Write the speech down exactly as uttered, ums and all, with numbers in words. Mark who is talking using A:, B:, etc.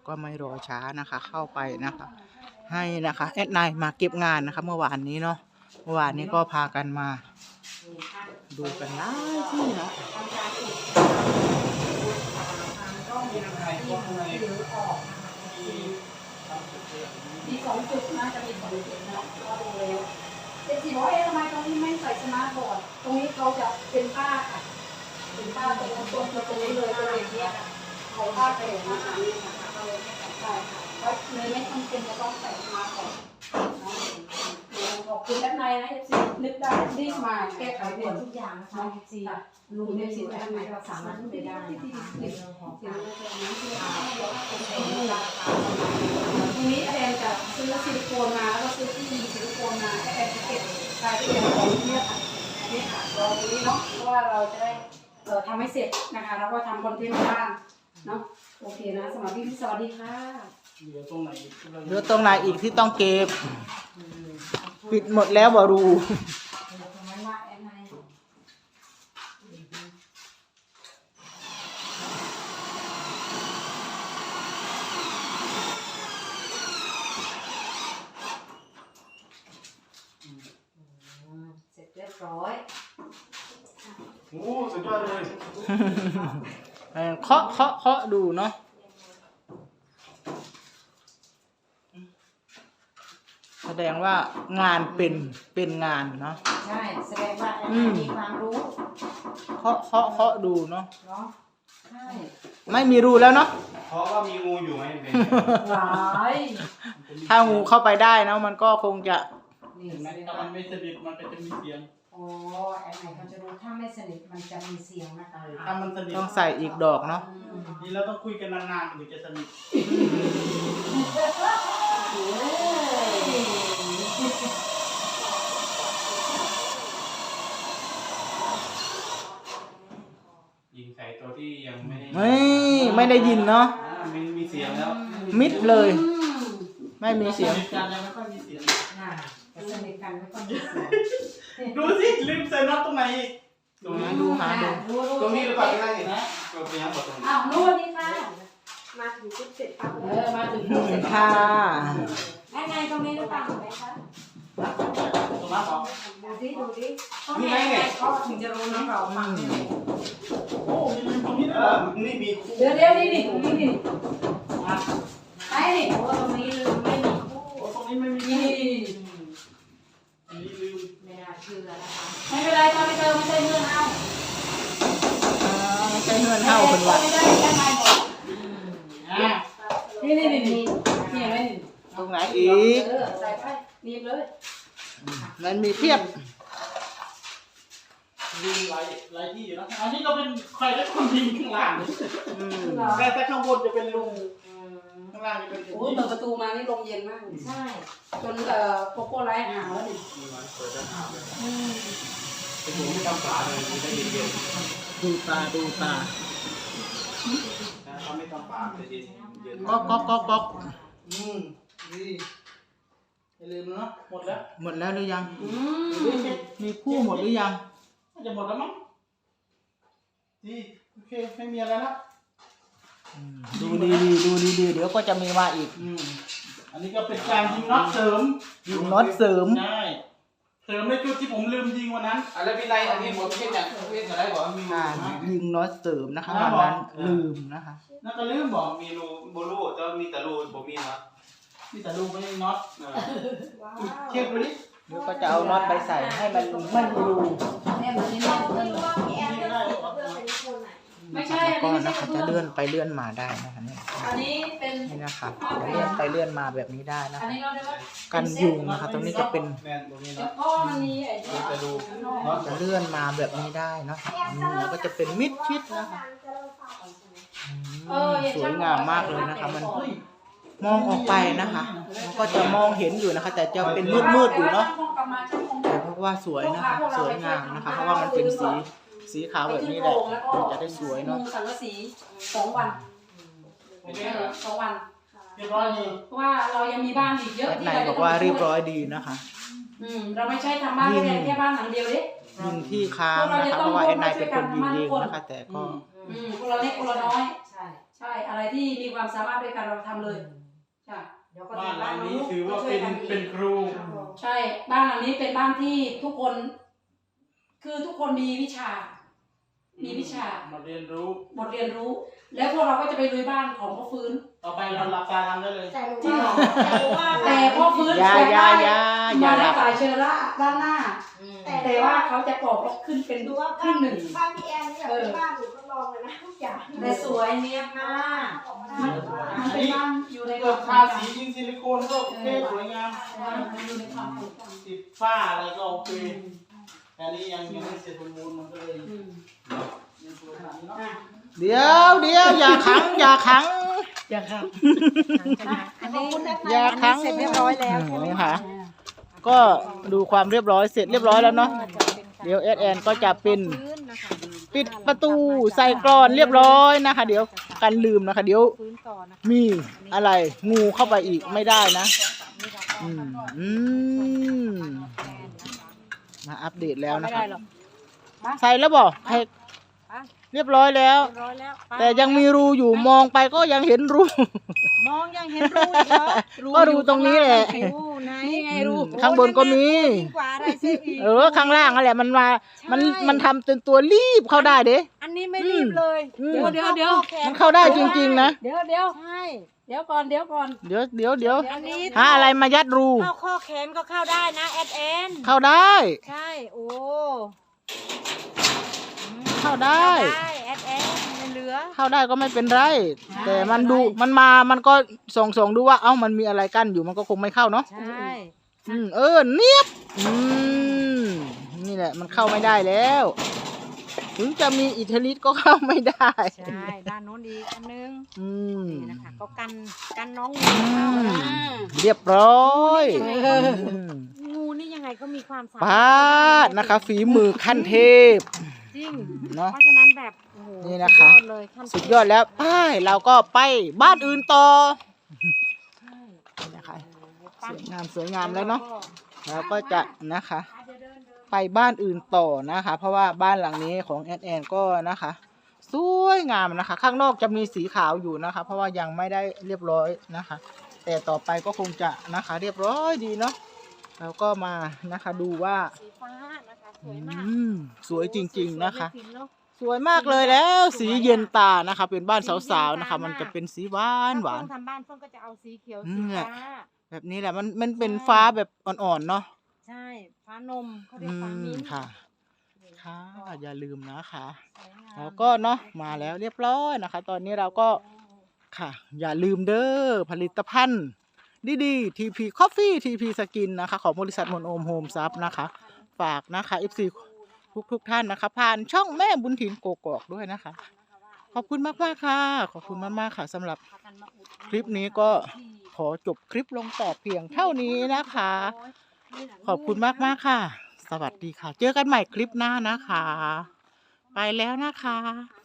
A: ก็ไม่รอช้านะคะ เข้าไปนะคะ ให้นะคะแอดไนมาเก็บงานนะคะ เมื่อวานนี้เนาะเมื่อวานนี้ก็พากันมาดูกันหลายที่เนาะ
B: มีสองจุดนะจะมีสองจุดนะก็ดูแล้วเจ็ดสี่ร้อยเอ๊ะทำไมตรงนี้ไม่ใส่สมาร์ทบอร์ดตรงนี้เขาจะเป็นป้าค่ะเป็นป้าตรงตรงตรงนี้เลยก็เลยเนี่ยเอาป้าไปอย่างนี้ค่ะนี่นะคะก็เลยไม่ใส่ใช่ค่ะเพราะเลยไม่ต้องเป็นจะต้องใส่สมาร์ทบอร์ดขอบคุณด้านในนะเอฟซีนึกได้รีบมาแก้ไขด่วนทุกอย่างนะคะเอฟซีลุงเอฟซีด้านในเราสามารถไปได้นะคะในเรื่องของการทีนี้แอนจะซื้อซิลิโคนมาแล้วก็ซื้อที่ยิงซิลิโคนมาให้แอนเก็บรายละเอียดของเนี่ยค่ะนี่ค่ะรอตรงนี้เนาะเพราะว่าเราจะได้เอ่อทำให้เสร็จนะคะแล้วก็ทำคอนเทนต์บ้างเนาะโอเคนะสำหรับพี่พี่สวัสดีค่ะ
C: เหลือตรงไหน
A: เหลือตรงไหนอีกที่ต้องเก็บปิดหมดแล้วบรู
B: เสร็จเรียบร้อย
C: โอ้สุดยอดเลย
A: เคาะเคาะเคาะดูเนาะแสดงว่างานเป็นเป็นงานเนาะ
B: ใช่แสดงว่าแอนมีความรู้
A: เคาะเคาะเคาะดูเนาะ
B: เนาะใช่
A: ไม่มีรูแล้วเนาะ
C: เพราะว่ามีงูอยู่ไหมเป็น
B: หลาย
A: ถ้างูเข้าไปได้นะมันก็คงจะ
C: นี่ถ้ามันไม่สนิทมันก็จะมีเสียง
B: อ๋อแอนไหนเขาจะรู้ถ้าไม่สนิทมันจะมีเสียงนะคะ
C: ถ้ามันสนิท
A: ต้องใส่อีกดอกเนาะ
C: นี่เราต้องคุยกันนานๆถึงจะสนิทยิงใส่ตัวที่ยังไม่ได้
A: ไม่ไม่ได้ยินเนาะ
C: ไม่มีเสียงแล้ว
A: มิดเลยไม่มีเสียง
C: การยังไม่ค่อยมีเสียง
B: น่ะสนิทกันไม่ค่อยมีเสียง
C: ดูสิลืมใส่น็อตตรงไหน
A: ตรงนี้ดูหาดู
C: ตรงนี้หรือเปล่าที่นั่นเห็นนะตัวเป็นยังหมดตรงนี้
B: อ้าวนู่นนี่ค่ะมาถึงจุดเสร็จค่ะเออมาถึงจุดเสร็จ
A: ค่ะ
B: ไอ้ไงตรงนี้หรือเปล่าไหมคะ
C: ตรงนั้นหรอ
B: ดูดิดูดิต้องให้ไงเขาถึงจะรู้น้องเราฟังได้เลย
C: โอ้มีตรงนี้ด้วยนี่มี
B: เดี๋ยวเดี๋ยวนี่นี่ตรงนี้นี่ไอ้นี่โอ้ตรงนี้ลืมไม่มีคู่
C: ตรงนี้ไม่มี
B: นี่
C: อันนี้ลืม
B: ไม่น่าเชื่อนะคะไม่เป็นไรถ้าไม่เจอไม่ใช่เงื่อนเอา
A: ไม่ใช่เงื่อนเท่าคนวัด
B: ไม่ได้แค่ไม่หมดนี่นี่นี่นี่นี่อะไรนี่
A: ตรงไหนอีก
B: เออใส่ไปนีบเลย
A: มันมีเทียบ
C: ยิงหลายหลายที่อยู่นะอันนี้ก็เป็นใครได้คนยิงข้างล่างแต่แต่ข้างบนจะเป็นลุงข้างล่างจะเป็น
B: โอ้เปิดประตูมานี่ลมเย็นมากใช่จนเอ่อโกโก้ไลท์หาวแล้วนี่
C: เปิดจะหาวเลยเป็นหมูไม่ต้องฝาเลยมันจะเย็น
A: ๆดูตาดูตา
C: ถ้าไม่ต้องฝาจะเย็นเย็น
A: ก๊อกก๊อกก๊อกก๊อก
C: อืมดีอย่าลืมเนาะหมดแล้ว
A: หมดแล้วหรือยังมีคู่หมดหรือยัง
C: จะหมดแล้วมั้งดีโอเคไม่มีอะไรแล้ว
A: ดูดีดีดูดีดีเดี๋ยวก็จะมีมาอีก
C: อันนี้ก็เป็นการยิงน็อตเสริม
A: ยิงน็อตเสริม
C: ใช่เสริมในจุดที่ผมลืมยิงวันนั้นอะไรเป็นไรอันนี้ผมเพ่งอย่างเพ่งอะไรบอกมี
A: การยิงน็อตเสริมนะคะวันนั้นลืมนะคะ
C: นั่นก็ลืมบอกมีรูโบลูจะมีแต่รูผมมีนะมีแต่รูไม่มีน็อตเช็คดูดิ
A: เดี๋ยวก็จะเอาน็อตไปใส่ให้มันไม่มีรู
B: ไม่ใช่
A: ก็นะคะจะเลื่อนไปเลื่อนมาได้นะคะเนี่ย
B: อันนี้เป็น
A: นี่นะคะจะเลื่อนไปเลื่อนมาแบบนี้ได้นะคะกันยุงนะคะตรงนี้จะเป็นจะเลื่อนมาแบบนี้ได้เนาะแล้วก็จะเป็นมิดชิดนะคะสวยงามมากเลยนะคะมันมองออกไปนะคะมันก็จะมองเห็นอยู่นะคะแต่จะเป็นมืดมืดอยู่เนาะแต่เพราะว่าสวยนะคะสวยงามนะคะเพราะว่ามันเป็นสีสีขาวแบบนี้แหละจะได้สวยเนาะ
B: สังกะสีสองวันสองวัน
C: เรียบร้อยดี
B: เพราะว่าเรายังมีบ้านอีกเยอะ
A: ที่เราบอกว่าเรียบร้อยดีนะคะ
B: อืมเราไม่ใช่ทำบ้านแค่แค่บ้านหลังเดียวดิ
A: ยิงที่ค้างนะคะเพราะว่าแอนนายเป็นคนยิงเองนะคะแต่ก็
B: อืมคนละเล็กคนละน้อยใช่ใช่อะไรที่มีความสามารถด้วยกันเราทำเลยใช่
C: บ้านหลังนี้ถือว่าเป็นเป็นครู
B: ใช่บ้านหลังนี้เป็นบ้านที่ทุกคน คือทุกคนมีวิชา มีวิชา
C: มาเรียนรู้
B: บทเรียนรู้ แล้วพวกเราก็จะไปลุยบ้านของพ่อฟื้น
C: ต่อไปเราหลับตาทำได้เลย
B: จริงเหรอแต่พ่อฟื้น
A: อย่าอย่าอย่าอย่า
B: มา
A: หลั
B: ได้
A: บ
B: ฝ่ายเชอร่าด้านหน้า แต่ว่าเขาจะปอกล็อกขึ้นเป็น
D: ดูว่า
B: ครึ่งหนึ่ง
D: บ้านพี่แอนเนี่ยเป็นบ้านหนูทดลองเลยนะทุกอย่าง
B: แต่สวยเนียบมาก
D: ออกมา
B: มัน
D: ได้
B: มันเป็นบ้านอยู่ใน
C: เกิดทาสียิงซิลิโคนก็โอเคสวยงาม
B: มันอยู่ในความถูกต้อง
C: ติดฝ้าอะไรก็โอเคแต่นี่ยังยังไม่เสร็จสมบูรณ์มันก็เลย
B: อืม
C: ยังสวยขนาดนี้เนาะ
B: อ่ะ
A: เดี๋ยวเดี๋ยวอย่าขังอย่าขัง
B: อย่าครับ
D: อันนี้
A: อย่าขัง
D: เสร็จเรียบร้อยแล้วใช่ไหม
A: นี่ค่ะ ก็ดูความเรียบร้อยเสร็จเรียบร้อยแล้วเนาะเดี๋ยวแอดแอนก็จะเป็นปิดประตูใส่กรอนเรียบร้อยนะคะ เดี๋ยวกันลืมนะคะ เดี๋ยวมีอะไรงูเข้าไปอีกไม่ได้นะ อืมอืมมาอัปเดตแล้วนะคะใส่แล้วบอกให้เรียบร้อยแล้ว
D: ร้อยแล้ว
A: แต่ยังมีรูอยู่มองไปก็ยังเห็นรู
D: มองยังเห็นรูอีกเหรอ
A: ก็รูตรงนี้แหละ
D: รูไหน
B: นี่ไงรู
A: ข้างบนก็มี
D: ยิ่งกว่าอะไรเสียอีก
A: เออข้างล่างนั่นแหละมันมา มันมันทำเป็นตัวรีบเข้าได้เด้
D: อันนี้ไม่รีบเลย
A: อืม
B: เดี๋ยวเดี๋ยว
A: มันเข้าได้จริงๆนะ
B: เดี๋ยวเดี๋ยว
D: ใช่
B: เดี๋ยวก่อนเดี๋ยวก่อน
A: เดี๋ยวเดี๋ยวเดี๋ยว
D: อันนี้
A: หาอะไรมายัดรู
D: เข้าข้อแขนก็เข้าได้นะแอดแอน
A: เข้าได้
D: ใช่โอ้
A: เข้าได้
D: ได้แอดแอนไม่เหลือ
A: เข้าได้ก็ไม่เป็นไร แต่มันดูมันมามันก็ส่องส่องดูว่าเอ้ามันมีอะไรกั้นอยู่มันก็คงไม่เข้าเนาะ
D: ใช่
A: อืมเออเนียบอืมนี่แหละมันเข้าไม่ได้แล้ว ถึงจะมีอิทธิฤทธิ์ก็เข้าไม่ได้
D: ใช่ด้านโน้นอีกอันนึง
A: อืม
D: นี่นะคะก็กันกันน้อง
A: อื
D: งูเข้าม นะ
A: เรียบร้อยอืม
D: งูนี่ยังไงก็มีความสามารถ
A: ป้าดนะคะ ฝีมือขั้นเทพ
D: จริง
A: เนาะ
D: เพราะฉะนั้นแบบโอ้โห
A: นี่นะคะ
D: สุดยอดเลยขั้น
A: สุดยอดแล้วไปเราก็ไปบ้านอื่นต่อนี่นะคะสวยงามสวยงามแล้วเนาะเราก็จะนะคะ ไปบ้านอื่นต่อนะคะ เพราะว่าบ้านหลังนี้ของแอดแอนก็นะคะ สวยงามนะคะ ข้างนอกจะมีสีขาวอยู่นะคะ เพราะว่ายังไม่ได้เรียบร้อยนะคะ แต่ต่อไปก็คงจะนะคะ เรียบร้อยดีเนาะเราก็มานะคะดูว่า
D: สีฟ้านะคะสวยมาก
A: อืมสวยจริงๆนะคะ
D: สวยไม่ผิดเนอะ
A: สวยมากเลยแล้ว สีเย็นตานะคะ เป็นบ้านสาวๆนะคะ มันจะเป็นสีหวานหวาน
D: ถ้เพิ่งทำบ้านเพิ่งก็จะเอาสีเขียว
A: อื
D: สี
A: ม
D: ฟ้า
A: แบบนี้แหละมันมันเป็นฟ้าแบบอ่อนๆเนาะ
D: ใช่ฟ้านมเขาเรี
A: อื
D: ยกฟ้าม มิ้นท์
A: ค่ะ ค่ะอย่าลืมนะคะ
D: สวยงาม
A: แล้วก็เนาะมาแล้วเรียบร้อยนะคะ ตอนนี้เราก็ค่ะ อย่าลืมเด้อผลิตภัณฑ์ดีๆ ที พี Coffee ที พี Skin นะคะ ของบริษัทมนโอมโฮมซับนะคะ ฝากนะคะ เอฟ ซี ทุกทุกๆท่านนะคะ ผ่านช่องแม่บุญถิ่นโกกอกด้วยนะคะ ขอบคุณมากๆค่ะ ขอบคุณมากๆค่ะสำหรับคลิปนี้ก็ขอจบคลิปลงแต่เพียงเท่านี้นะคะ ขอบคุณมากๆค่ะ สวัสดีค่ะ เจอกันใหม่คลิปหน้านะคะ ไปแล้วนะคะ